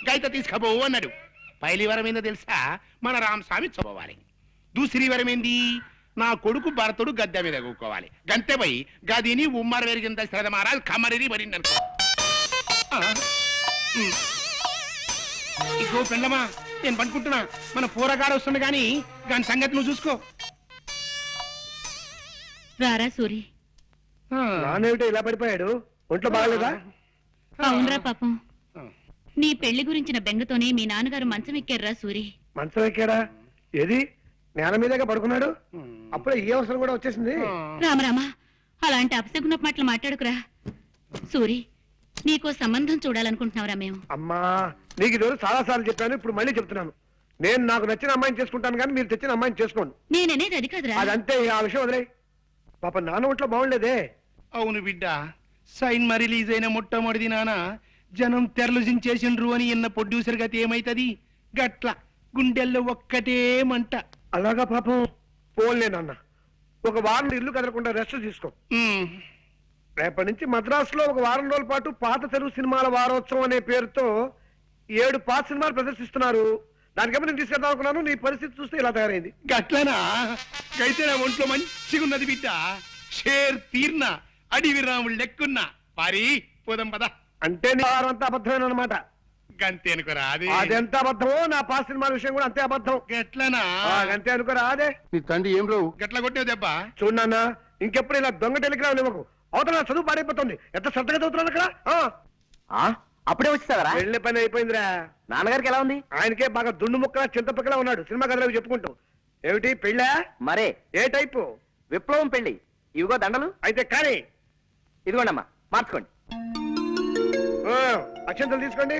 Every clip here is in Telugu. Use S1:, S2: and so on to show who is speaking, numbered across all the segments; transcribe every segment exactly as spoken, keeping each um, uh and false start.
S1: గైత తీసుకపోవు అన్నాడు. పైలి వరం ఏందో తెలుసా? మన రామస్వామి చదవాలి. దూసరి వరం ఏంది? నా కొడుకు భరతుడు గద్దె మీద కూకోవాలి. గంతే పోయి గదిని ఉమ్మర వెరిగింత శ్రద్ధ మారాలి కమ్మరిని పడింది అనుకో. ఇగో పెళ్ళమా, నేను పనుకుంటున్నా. మన పూరగాడు వస్తుంది కానీ దాని సంగతి నువ్వు చూసుకో.
S2: రారా సూరి.
S3: నానేమిటో ఇలా పడిపోయాడు? ఒంట్లో బాగలేదా?
S2: అవునరా పాపం, నీ పెళ్లి గురించిన బెంగతోనే మీ నాన్నగారు మంచం ఎక్కారా సూరి.
S3: మంచం ఎక్కాడా? ఏది నేల మీదగా పడుకున్నాడు? అప్పుడే ఈ అవసరం కూడా వచ్చేసింది.
S2: రామరామా, అలాంటి అపశకున మాటలు మాట్లాడుకురా సూరి. నీకో సంబంధం చూడాలనుకుంటున్నావురా మేము.
S3: అమ్మా, నీకు ఈరోజు చాలా సార్లు చెప్పాను, ఇప్పుడు మళ్ళీ చెప్తున్నాను. నేను నాకు నచ్చిన అమ్మాయిని చేసుకుంటాను కానీ మీరు తెచ్చిన అమ్మాయిని చేసుకోండి.
S2: నేననేది అది కాదురా.
S3: అదంతే, ఆ విషయం వదిలే. పాప నాన్న ఒంట్లో బాగుండేదే.
S1: అవును బిడ్డ, సైన్ మా రిలీజ్ అయిన మొట్టమొదటి నాన్న జనం తెరలుజించేసిండ్రు అని ఇన్న ప్రొడ్యూసర్ గతి ఏమైతది? గట్ల గుండెల్లో ఒక్కటే మంట.
S3: అలాగా పాపం. పోన్లే నాన్న, ఒక వారం ఇల్లు కదలకుండా రెస్ట్ తీసుకో. రేపటి నుంచి మద్రాసులో ఒక వారం రోజుల పాటు పాత తెలుగు సినిమాల వారోత్సవం అనే పేరుతో ఏడు పాత సినిమాలు ప్రదర్శిస్తున్నారు. దానికేమో నేను తీసుకెళ్దాం అనుకున్నాను, నీ పరిస్థితి చూస్తే ఇలా తయారైంది.
S1: గట్లనా? అయితే నా ఒంట్లో మంచిగా ఉన్నది బిడ్డ. షేర్ తీర్న అడివి రాముడు లెక్కున్నా పారి పోదాం పద.
S3: అంటే నీ వారం అంతా అబద్ధమైన అనమాట.
S1: గంతే అనుకోరా? అది
S3: అదెంత అబద్ధమో నా పాత సినిమాల విషయం కూడా అంతే అబద్ధం.
S1: గట్లనా?
S3: అంతే అనుకోరా? అదే
S1: నీ తండ్రి ఏం రావు గట్ల కొట్టే దెబ్బ.
S3: చూడన్నా, ఇంకెప్పుడు ఇలా దొంగ టెలిగ్రామ్ ఇవ్వకు. అవతల చదువు పాడైపోతుంది. ఎంత శ్రద్ధగా చదువుతున్నాను అక్కడ.
S4: అప్పుడే వచ్చేస్తావరా?
S3: వెళ్ళే పని అయిపోయిందిరా.
S4: నాన్నగారికి ఎలా ఉంది?
S3: ఆయనకే బాగా దుండు ముక్కలా చింతపక్కలా ఉన్నాడు. సినిమా కథలు చెప్పుకుంటూ. ఏమిటి పెళ్ళా?
S4: మరే.
S3: ఏ టైపు?
S4: విప్లవం పెళ్లి. ఇవిగో దండలు.
S3: అయితే కానీ
S4: ఇదిగోండి అమ్మా, మార్చుకోండి.
S3: అక్షంతలు తీసుకోండి.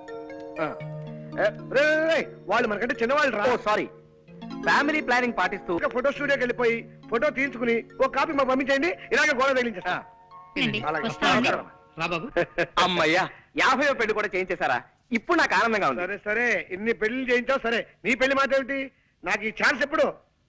S3: వాళ్ళు మనకంటే చిన్నవాళ్ళు రా.
S4: సారీ. ఫ్యామిలీ ప్లానింగ్ పాటిస్తూ
S3: ఫోటో స్టూడియోకి వెళ్ళిపోయి ఫోటో తీయించుకుని ఒక కాపీ మాకు పంపించండి. ఇలాగే గోడ తగిలించేస్తా.
S4: అమ్మయ్యా, యాభై పెళ్లి కూడా చేయించేశారా? ఇప్పుడు నాకు ఆనందంగా ఉంది.
S3: సరే సరే, ఇన్ని పెళ్లి చేయించావు సరే. నీ పెళ్లి మాట ఏమిటి? నాకు ఈ ఛాన్స్ ఎప్పుడు?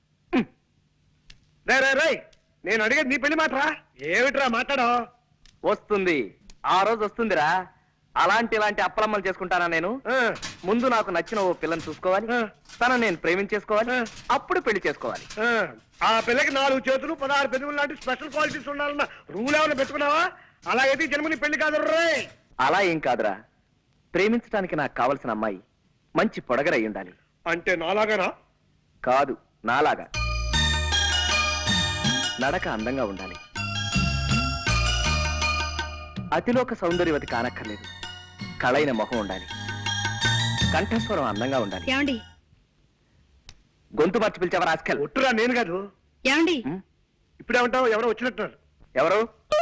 S3: రే రే రే, నేను అడిగేది నీ పెళ్లి మాటరా. ఏమిట్రా మాట్లాడో?
S4: వస్తుంది, ఆ రోజు వస్తుందిరా. అలాంటి ఇలాంటి అప్పలమ్మలు చేసుకుంటానా నేను? ముందు నాకు నచ్చిన ఓ పిల్లని చూసుకోవాలి, తనను నేను ప్రేమించేసుకోవాలి, అప్పుడు పెళ్లి చేసుకోవాలి.
S3: ఆ పిల్లకి నాలుగు చేతులు పదహారు పెదవులు లాంటి స్పెషల్ క్వాలిటీస్ ఉండాలన్న రూల్ ఏమైనా పెట్టుకున్నావా? అలా అయితే జన్మని పెళ్లి కాదు రే.
S4: అలా ఏం కాదురా, ప్రేమించడానికి నాకు కావలసిన అమ్మాయి మంచి పొడగరై ఉండాలి.
S3: అంటే నాలాగానా?
S4: కాదు, నాలాగా. నడక అందంగా ఉండాలి, అతిలోక సౌందర్యవతి కానక్కర్లేదు, కళైన మొహం ఉండాలి, కంఠస్వరం అందంగా ఉండాలి.
S2: ఏమండి?
S4: గొంతు మార్చి పిలిచావా రాస్కల్?
S3: ఒట్టురా, నేను కాదు.
S2: ఏమండి?
S3: ఇప్పుడేమంటావు? ఎవరో వచ్చినట్టున్నారు.
S4: ఎవరు?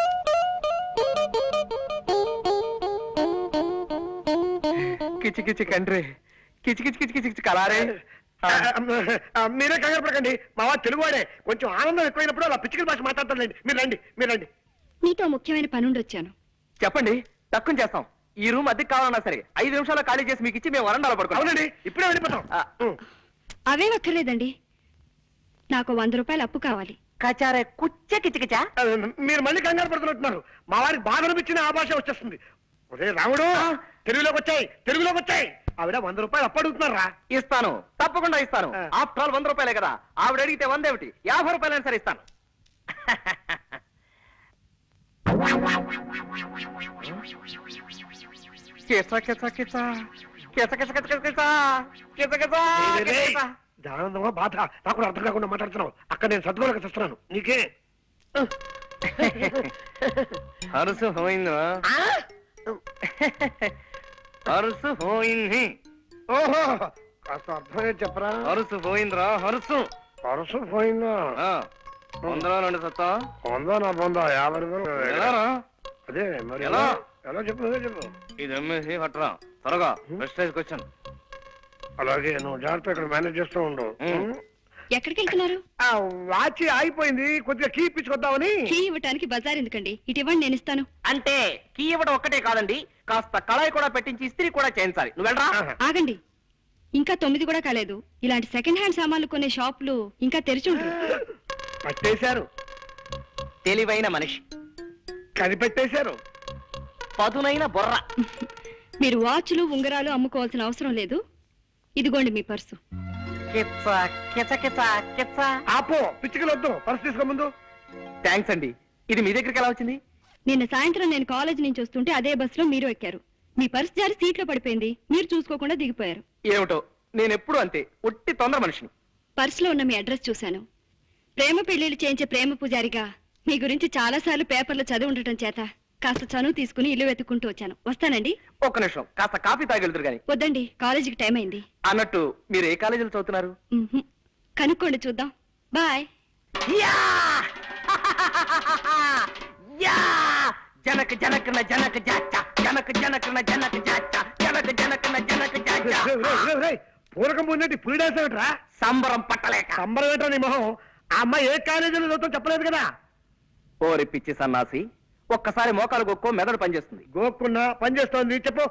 S4: కిచి కిచి కండ్రి, కిచి కిచి కిచి కిచి కిచి కలారే.
S3: మీరే కంగారు పడకండి, మా వాడు తెలుగువాడే. కొంచెం ఆనందం ఎక్కువైనప్పుడు అలా పిచ్చికల భాష మాట్లాడతారులేండి. మీరు రండి, మీరు రండి.
S2: నీతో ముఖ్యమైన పనుండి వచ్చాను.
S4: చెప్పండి, తక్కువ చేస్తాం. ఈ రూమ్ అద్దెకి కావాలన్నా సరే ఐదు నిమిషాలు ఖాళీ చేసి మీకు ఇచ్చి మేము వరండాలో పడుకోండి.
S3: అవునండి, ఇప్పుడే వెళ్ళిపోతాం.
S2: అవే అక్కర్లేదండి, నాకు వంద రూపాయలు అప్పు కావాలి.
S4: కచారే కుచ్చ కిచకిచా.
S3: మీరు మళ్ళీ కంగారు పడుతున్నట్టున్నారు. మా వారికి బాధ అనిపించిన ఆ భాష వచ్చేస్తుంది. ఒరే రాముడు, తెలుగులోకి వచ్చాయి, తెలుగులోకి వచ్చాయి. ఆవిడ వంద రూపాయలు అప్పు అడుగుతున్నారా?
S4: ఇస్తాను, తప్పకుండా ఇస్తాను. ఆఫ్టర్ ఆల్ వంద రూపాయలే కదా. ఆవిడ అడిగితే వంద ఏమిటి, యాభై రూపాయలైనా సరే ఇస్తాను.
S3: ఆనందమా బాధ నాకు అర్థం కాకుండా మాట్లాడుతున్నావు. అక్కడ నేను సర్దుకోలేక చేస్తున్నాను. నీకే
S4: హరుసు పోయిందా? హరుసు పోయింది.
S3: ఓహో, కాస్త అర్థమే చెప్పరా.
S4: హరుసు పోయిందిరా, హరుసు
S3: హరుసు పోయిందా?
S4: వందలో రెండు సత్తా.
S3: పొందా నా పొందా యాభై రూపాయలు. అదే మరి
S4: ఎలా
S3: ఎలా చెప్పు చెప్పు.
S4: ఇది అమ్మేసి పట్టరా త్వరగా. ప్రెస్టేజ్కి వచ్చాను.
S3: అలాగే నువ్వు జాగ్రత్త ఇక్కడ మేనేజ్ చేస్తూ ఉండు.
S2: ఎక్కడికి వెళ్తున్నారు?
S3: వాచ్ ఆగిపోయింది, కొద్దిగా కీ ఇప్పించుకొద్దామని.
S2: కీ ఇవ్వటానికి బజార్ ఎందుకండి, ఇటు ఇవ్వండి, నేను ఇస్తాను.
S4: అంటే కీ ఇవ్వడం ఒక్కటే కాదండి, కాస్త కళాయి కూడా పెట్టించి ఇస్త్రీ కూడా చేయించాలి. నువ్వు వెళ్ళరా.
S2: ఆగండి, ఇంకా తొమ్మిది కూడా కాలేదు. ఇలాంటి సెకండ్ హ్యాండ్ సామాన్లు కొనే షాపులు ఇంకా తెరిచి ఉంటారు.
S3: పట్టేశారు.
S4: తెలివైన మనిషి
S3: కనిపెట్టేశారు.
S4: పదునైన బొర్ర.
S5: మీరు వాచ్లు ఉంగరాలు అమ్ముకోవాల్సిన అవసరం లేదు. ఇదిగోండి మీ పర్సు.
S4: కిచ్చ కిచ కిచ కిచ్చ.
S3: ఆపో, పిచ్చికలు వద్దు, పర్సు తీసుకో ముందు.
S4: థ్యాంక్స్ అండి. ఇది మీ దగ్గరికి ఎలా వచ్చింది?
S5: నిన్న సాయంత్రం నేను కాలేజ్ నుంచి వస్తుంటే అదే బస్సులో మీరు ఎక్కారు. మీ పర్సు జారి సీట్లో పడిపోయింది. మీరు చూసుకోకుండా దిగిపోయారు.
S4: ఏమిటో, నేను ఎప్పుడు అంతే, ఒట్టి తొందర మనిషిని.
S5: పర్సులో ఉన్న మీ అడ్రస్ చూశాను. ప్రేమ పెళ్లిళ్ళు చేయించే ప్రేమ పూజారిగా మీ గురించి చాలా సార్లు పేపర్లో చదివి ఉండటం చేత కాస్త చనువు తీసుకుని ఇల్లు వెతుక్కుంటూ వచ్చాను. వస్తానండి.
S4: ఒక్క నిమిషం, కాస్త కాఫీ తాగెళ్తురు గాని.
S5: వద్దండి, కాలేజీకి టైం అయింది.
S4: అన్నట్టు మీరు ఏ కాలేజీలో చదువుతున్నారు?
S5: మ్మ్హ్. కనుక్కోండి, చూద్దాం. బాయ్.
S4: యా! యా! జనక జనకన జనక జాచ జనక జనకన జనక జాచ జనక జనకన జనక జాచ.
S3: రేయ్, రేయ్, రేయ్, రేయ్, పూరకం ముందేంటి పులి డాన్స్ ఏమిట్రా?
S4: సంబరం పట్టలేక.
S3: సంబరం ఏంటో నీ మొహం. ఆ అమ్మాయి ఏ కాలేజీలో చదువుతాం చెప్పలేదు కదా.
S4: ఓరి పిచ్చి సన్నాసి, ఒక్కసారి మోకాలు గొక్కో మెదడు పనిచేస్తుంది.
S3: గోక్కున్నా పని చేస్తోంది, చెప్పు.